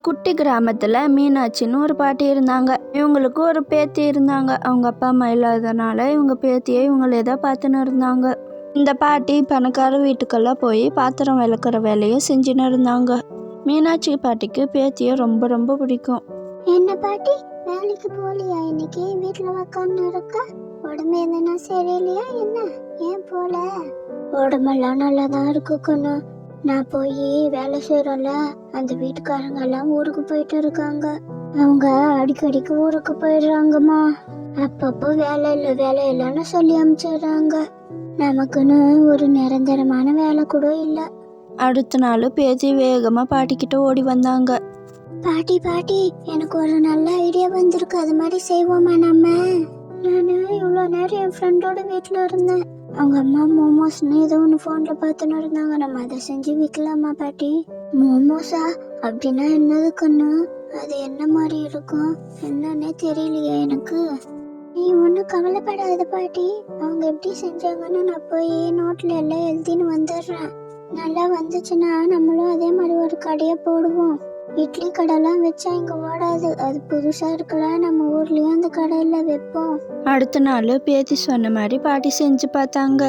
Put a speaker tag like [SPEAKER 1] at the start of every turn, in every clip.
[SPEAKER 1] குட்டி கிராமத்தில் மீனாட்சின்னு ஒரு பாட்டி இருந்தாங்க. இவங்களுக்கு ஒரு பேத்தி இருந்தாங்க. அவங்க அப்பா அம்மா இல்லாதனால இவங்க பேத்தியை இவங்களே தான் பார்த்துன்னு இருந்தாங்க. இந்த பாட்டி பணக்கார வீட்டுக்கெல்லாம் போய் பாத்திரம் விளக்குற வேலையை செஞ்சுன்னு இருந்தாங்க. மீனாட்சி பாட்டிக்கு பேத்தியை ரொம்ப ரொம்ப பிடிக்கும்.
[SPEAKER 2] என்ன பாட்டி, வேலைக்கு போலியா? இன்னைக்கு வீட்டுல உக்காந்து இருக்க? உடம்பு எதுனா சரியில்லையா என்ன? ஏன் போல? உடம்பெல்லாம் நல்லாதான் இருக்கு கண்ணு. நான் போய் வேலை செய்யறோம்ல, அந்த வீட்டுக்காரங்க எல்லாம் ஊருக்கு போயிட்டு இருக்காங்க. அவங்க அடிக்கடிக்கு ஊருக்கு போயிடுறாங்கம்மா. அப்பப்போ வேலை இல்லைன்னு சொல்லி அனுப்பிச்சிடுறாங்க. நமக்குன்னு ஒரு நிரந்தரமான வேலை கூட இல்லை.
[SPEAKER 1] அடுத்த நாள் பேத்தி வேகமா பாட்டிக்கிட்ட ஓடி வந்தாங்க.
[SPEAKER 2] பாட்டி பாட்டி, எனக்கு ஒரு நல்ல ஐடியா வந்திருக்கு. அது மாதிரி செய்வோமா நம்ம? நான் இவ்வளோ நேரம் என் ஃப்ரெண்டோட வீட்டில் இருந்தேன். அவங்க அம்மா மோமோஸ்னு ஏதோ ஒன்று ஃபோனில் பார்த்துன்னு இருந்தாங்க. நம்ம அதை செஞ்சு விற்கலாமா பாட்டி? மோமோஸா? அப்படின்னா என்னது கண்ணு? அது என்ன மாதிரி இருக்கும்? என்னன்னே தெரியலையே எனக்கு. நீ ஒன்றும் கவலைப்படாத பாட்டி. அவங்க எப்படி செஞ்சாங்கன்னு நான் போய் நோட்டில் எல்லாம் எழுதின்னு வந்துடுறேன். நல்லா வந்துச்சுன்னா நம்மளும் அதே மாதிரி ஒரு கடையை போடுவோம். இட்லி கடைலாம் வச்சா இங்க ஓடாது. அது புதுசா இருக்கலாம். நம்ம ஊர்லயும் அந்த கடையில வைப்போம்.
[SPEAKER 1] அடுத்த நாள் பேத்தி சொன்ன மாதிரி பாட்டி செஞ்சு பார்த்தாங்க.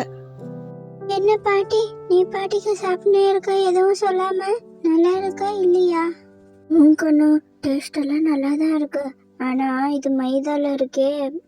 [SPEAKER 2] என்ன பாட்டி, நீ பாட்டிக்கு சாப்பிட்டே இருக்க, எதுவும் சொல்லாம? நல்லா இருக்கா இல்லையா? கண்ணு, டேஸ்ட் எல்லாம் நல்லா தான் இருக்கு. ஆனா இது மைதால இருக்கே.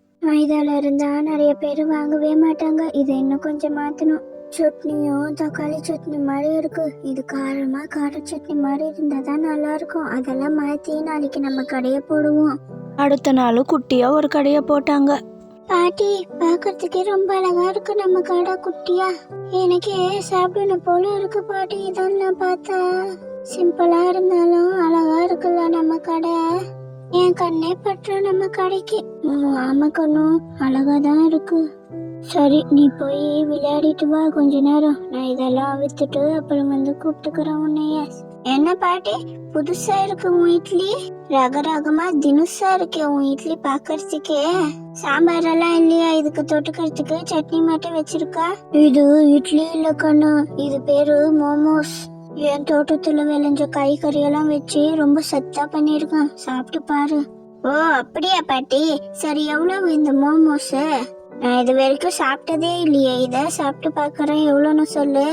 [SPEAKER 2] மைதால இருந்தா நிறைய பேர் வாங்கவே மாட்டாங்க. இதை இன்னும் கொஞ்சம் மாத்தணும். சட்னியும் தக்காளி சட்னி மாதிரி இருக்கு. இது காரமா கார சட்னி மாதிரி இருந்தா தான் நல்லா இருக்கும். அதெல்லாம் மாத்தி நாளைக்கு நம்ம கடையை போடுவோம்.
[SPEAKER 1] அடுத்த நாள் குட்டியா ஒரு கடையை போட்டாங்க.
[SPEAKER 2] பாட்டி, பாக்குறதுக்கே ரொம்ப அழகா இருக்கு நம்ம கடை குட்டியா. எனக்கே சாப்பிடணும் போல இருக்கு பாட்டி. இதெல்லாம் பார்த்தா சிம்பிளா இருந்தாலும் அழகா இருக்குல்ல நம்ம கடை. என் கண்ணே பற்ற நம்ம கடைக்கு. ஆமா கண்ணு, அழகா தான் இருக்கு. சரி, நீ போய் விளையாடிட்டு வா கொஞ்ச நேரம். நான் இதெல்லாம் வித்துட்டு அப்புறம் வந்து கூப்பிட்டுக்கிறேன் உன்னைய. என்ன பாட்டி, புதுசா இருக்கு உன் இட்லி? ரகரகமா தினுசா இருக்கே உன் இட்லி பாக்கறதுக்கே. சாம்பார் எல்லாம் இல்லையா? இதுக்கு தொட்டுக்கிறதுக்கு சட்னி மட்டும் வச்சிருக்கா? இது இட்லி இல்ல கண்ணு, இது பேரு மோமோஸ். என் தோட்டத்துல விளைஞ்ச காய்கறி எல்லாம் வச்சு ரொம்ப சத்தா பண்ணிருக்கேன். சாப்பிட்டு பாரு. ஓ அப்படியா பாட்டி? சரி, எவ்வளவு இந்த மோமோஸ்? நான் இது வரைக்கும் சாப்பிட்டதே இல்லையே. இதை சாப்பிட்டு பாக்குறேன். எவ்வளோன்னு சொல்லு.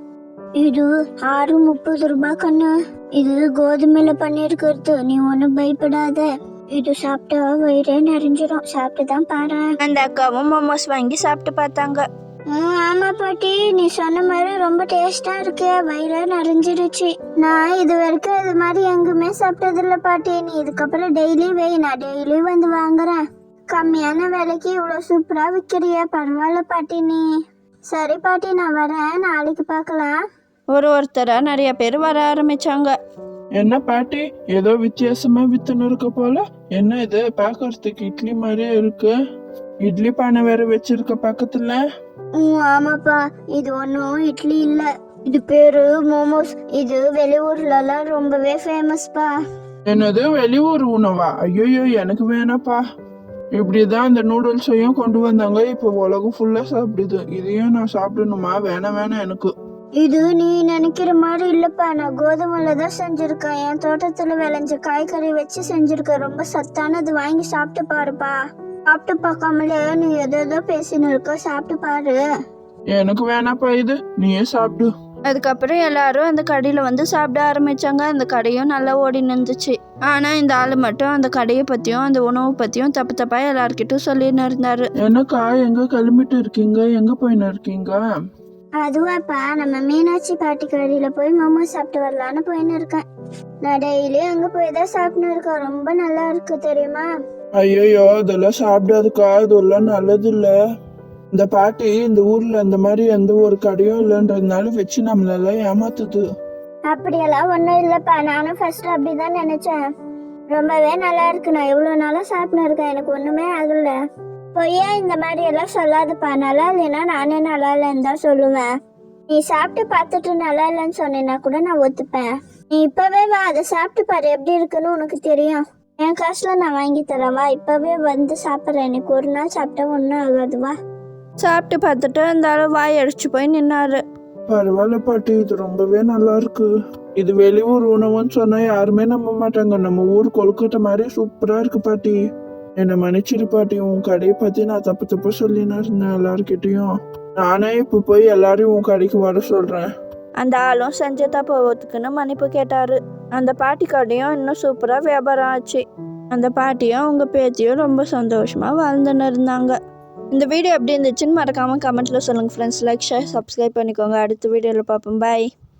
[SPEAKER 2] இது 6.30 ரூபாய் கண்ணு. இது கோதுமையில பண்ணிருக்கிறது. நீ ஒன்னும் பயப்படாத. இது சாப்பிட்டா வயிறே நிறைஞ்சிரும். சாப்பிட்டுதான் பாரு.
[SPEAKER 1] அந்த அக்காவும் மோமோஸ் வாங்கி சாப்பிட்டு பார்த்தாங்க.
[SPEAKER 2] ஆமா பாட்டி, நீ சொன்ன மாதிரி ரொம்ப டேஸ்டா இருக்கு. வயிறே நிறைஞ்சிருச்சு. நான் இது வரைக்கும் இது மாதிரி எங்குமே சாப்பிட்டது இல்ல பாட்டி. நீ இதுக்கப்புறம் டெய்லி வை. நான் டெய்லி வந்து வாங்குறேன். கம்மியான விலைக்கு இவ்வளவு சூப்பரா விற்கிறிய, பரவாயில்ல பாட்டி நீ. சரி பாட்டி, நான் வரேன். நாளைக்கு பார்க்கலாம்.
[SPEAKER 1] ஒருத்தரா நிறைய பேர் வர ஆரம்பிச்சாங்க.
[SPEAKER 3] என்ன பாட்டி, ஏதோ வித்தியாசமா வித்துன்னு இருக்க போல. என்ன இது பாக்குறதுக்கு இட்லி மாதிரியே இருக்கு. இட்லி பானை வேற வச்சிருக்க பக்கத்துல.
[SPEAKER 2] ஆமாப்பா, இது ஒன்னும் இட்லி இல்ல. இது பேரு மோமோஸ். இது வெளியூர்ல எல்லாம் ரொம்பவே ஃபேமஸ்பா.
[SPEAKER 3] என்னது வெளியூர் உணவா? ஐயோ, எனக்கு வேணாப்பா. இப்படிதான் அந்த நூடுல்ஸையும் கொண்டு வந்தாங்க. இப்போ உலகம் ஃபுல்லா சாப்பிடுது. இதையும் நான் சாப்பிடணுமா? வேணாம் எனக்கு.
[SPEAKER 2] இது நீ நினைக்கிற மாதிரி இல்லப்பா. நான் கோதுமையில தான் செஞ்சிருக்கேன். என் தோட்டத்துல விளைஞ்ச காய்கறி வச்சு செஞ்சிருக்கேன். ரொம்ப சத்தானது. வாங்கி சாப்பிட்டு பாருப்பா. சாப்பிட்டு பார்க்காமலே நீ ஏதோ பேசின்னு இருக்க. சாப்பிட்டு பாரு.
[SPEAKER 3] எனக்கு வேணாப்பா இது, நீயே சாப்பிடு.
[SPEAKER 1] அதுக்கப்புறம் எல்லாரும் அந்த கடையில வந்து சாப்பிட ஆரம்பிச்சாங்க. அந்த கடையும் நல்லா ஓடி நின்றுச்சு. ஆனா இந்த ஆளு மட்டும் அந்த கடையை பத்தியும் அந்த உணவு பத்தியும் தப்பா எல்லார்கிட்டும் சொல்லின்னு இருந்தாரு.
[SPEAKER 3] என்னக்கா, எங்க கிளம்பிட்டு இருக்கீங்க? எங்க போயின்னு இருக்கீங்க?
[SPEAKER 2] அதுவாப்பா, நம்ம மீனாட்சி பாட்டி கடையில போய் மோமோஸ் சாப்பிட்டு வரலான்னு போயின்னு இருக்கேன். நான் டெய்லி அங்க போய் தான் சாப்பிட்டு இருக்கேன். ரொம்ப நல்லா இருக்கு தெரியுமா?
[SPEAKER 3] ஐயோ, அதெல்லாம் சாப்பிடாதுக்கா. அதெல்லாம் நல்லது இல்ல. இந்த பாட்டி இந்த ஊர்ல அந்த மாதிரி எந்த ஒரு கடையும் இல்லைன்றதுனால வச்சு நம்மளெல்லாம் ஏமாத்துது.
[SPEAKER 2] அப்படியெல்லாம் ஒன்றும் இல்லைப்பா. நானும் ஃபர்ஸ்ட் அப்படிதான் நினைச்சேன். ரொம்பவே நல்லா இருக்கு. நான் எவ்வளோ நாளாக சாப்பிட்டு இருக்கேன். எனக்கு ஒன்றுமே ஆகல. பொய்யா இந்த மாதிரி எல்லாம் சொல்லாதுப்பா. நல்லா இல்லைன்னா நானே நல்லா இல்லைன்னு தான் சொல்லுவேன். நீ சாப்பிட்டு பார்த்துட்டு நல்லா இல்லைன்னு சொன்னேன்னா கூட நான் ஒத்துப்பேன். நீ இப்பவே வா, அதை சாப்பிட்டு பாரு. எப்படி இருக்குன்னு உனக்கு தெரியும். என் காசுல நான் வாங்கி தரவா? இப்பவே வந்து சாப்பிட்றேன். எனக்கு ஒரு நாள் சாப்பிட்டா ஒன்றும் ஆகாதுவா.
[SPEAKER 1] சாப்பிட்டு பார்த்துட்டு அந்த ஆளு வாய் அடிச்சு போய் நின்னாரு.
[SPEAKER 3] பரவாயில்ல பாட்டி, இது ரொம்பவே நல்லா இருக்கு. இது வெளியூர் உணவுன்னு சொன்னா யாருமே நம்ப மாட்டாங்க. நம்ம ஊர் கொழுக்கட்டை மாதிரி சூப்பரா இருக்கு பாட்டி. என்னை மன்னிச்சிடு பாட்டி, உன் கடையை பத்தி நான் தப்பு சொல்லின்னு இருந்தேன் எல்லார்கிட்டயும். நானே இப்ப போய் எல்லாரையும் உன் கடைக்கு வர சொல்றேன்.
[SPEAKER 1] அந்த ஆளும் செஞ்ச தப்புக்குன்னு மன்னிப்பு கேட்டாரு. அந்த பாட்டி கடையும் இன்னும் சூப்பராக வியாபாரம் ஆச்சு. அந்த பாட்டியும் அவங்க பேத்தியும் ரொம்ப சந்தோஷமா வாழ்ந்துன்னு இருந்தாங்க. இந்த வீடியோ எப்படி இருந்துச்சுன்னு மறக்காம கமெண்ட்ல சொல்லுங்க ஃப்ரெண்ட்ஸ். லைக் ஷேர் சப்ஸ்கிரைப் பண்ணிக்கோங்க. அடுத்த வீடியோவில் பார்ப்போம். பாய்.